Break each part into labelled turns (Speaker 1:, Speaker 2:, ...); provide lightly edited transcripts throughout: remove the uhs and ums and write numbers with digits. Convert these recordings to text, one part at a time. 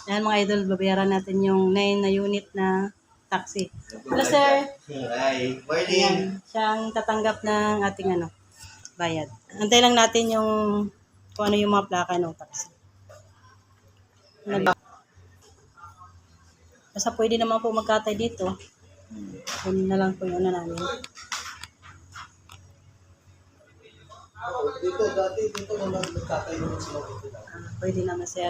Speaker 1: Yan mga idol, babayaran natin yung 9 na unit na taxi. Hello sir.
Speaker 2: Hi. Morning.
Speaker 1: Ayan, siyang tatanggap ng ating bayad. Antay lang natin yung kung ano yung mga plaka ng taxi. Basta pwede naman po magkatay dito. Yun na lang po yung namin.
Speaker 2: Dito naman nagkatayo naman sila dito.
Speaker 1: Pwede naman sir.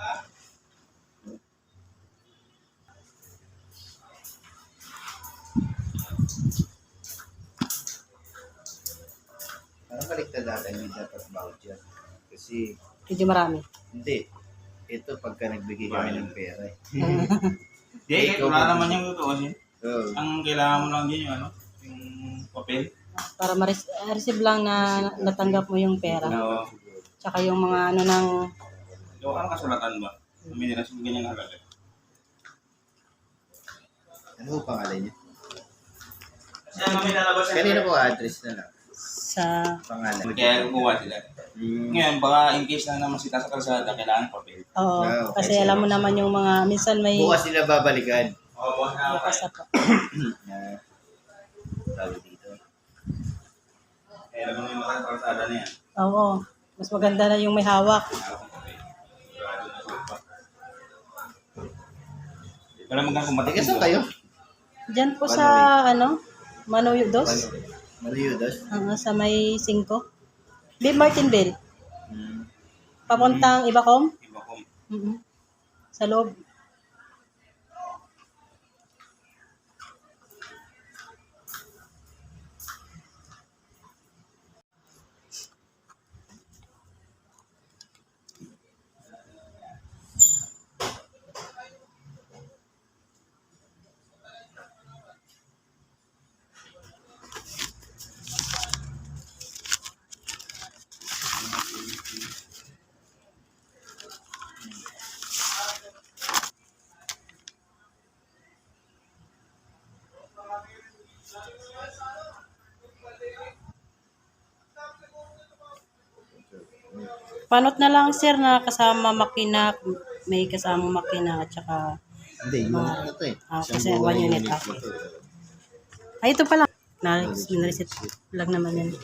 Speaker 2: Parang baliktad natin yung dapat voucher. Kasi,
Speaker 1: Medyo marami.
Speaker 2: hindi. Ito pagka nagbigay kami ng pera eh.
Speaker 3: Hindi, wala naman yung totoo kasi.
Speaker 2: Oo.
Speaker 3: Ang kailangan mo lang din yung yung papel.
Speaker 1: Para ma-receive lang na natanggap mo yung pera.
Speaker 3: Oo.
Speaker 1: Tsaka yung mga ng
Speaker 3: So, ano kasulatan ba? May nila sa ganyang halaga.
Speaker 2: Ano po pangalan niya?
Speaker 3: Kasi may lalabas yan.
Speaker 2: Kanina po address na lang.
Speaker 1: sa
Speaker 2: Pangalan.
Speaker 3: Kaya gumawa sila. Ngayon, baka in case lang naman sita sa kalsada, kailangan papel.
Speaker 1: oo,
Speaker 2: okay.
Speaker 1: kasi alam mo naman yung mga minsan may
Speaker 2: Bukas sila babalikan.
Speaker 3: Oo, bukas na
Speaker 1: bukas na po.
Speaker 2: Tawag dito.
Speaker 3: Kaya naman yung mga kalsada na yan.
Speaker 1: Oo. Mas maganda na yung may hawak.
Speaker 3: Kailangan kong papel. Sigurado na supa. Wala magkang kumatik.
Speaker 2: Teka, saan kayo?
Speaker 1: Diyan po sa Manoyo Dos.
Speaker 2: Mariudos?
Speaker 1: Sa may 5. Bib Martinville. Papuntang Ibacom.
Speaker 3: Iba ko.
Speaker 1: Sa loob. Panot na lang sir na kasama makina, may kasama makina at saka
Speaker 2: Hindi, yung ano to eh.
Speaker 1: kasi
Speaker 2: Isang buong
Speaker 1: 1 unit
Speaker 2: na
Speaker 1: ako.
Speaker 2: to.
Speaker 1: Ay, ito pala. Na-reset lang naman yan.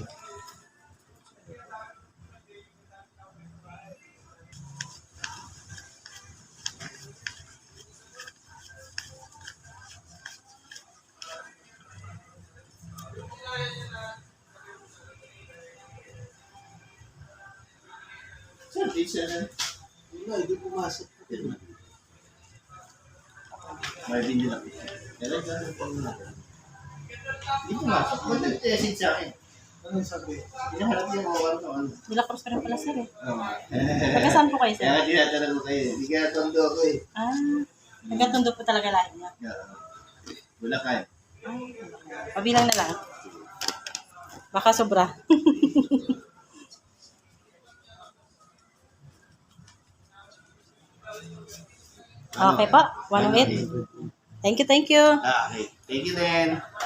Speaker 2: Sir, pizza na. Hindi pumasok. May video na pizza. Talaga po na. Hindi pumasok. Ba't nag-message sa akin? Anong sabi? Hinaharap niya mga ano.
Speaker 1: Nila Cruz ka rin pala sir eh.
Speaker 2: Oo.
Speaker 1: Taga saan po kayo sir?
Speaker 2: Kaya tinatanong ko kayo. Hindi kaya tondo ako eh.
Speaker 1: Nagkatundo po talaga lahat niya.
Speaker 2: Wala kayo.
Speaker 1: Pabilang na lang. Baka sobra. Okay po, 108. Thank you.
Speaker 2: Okay. Thank you then.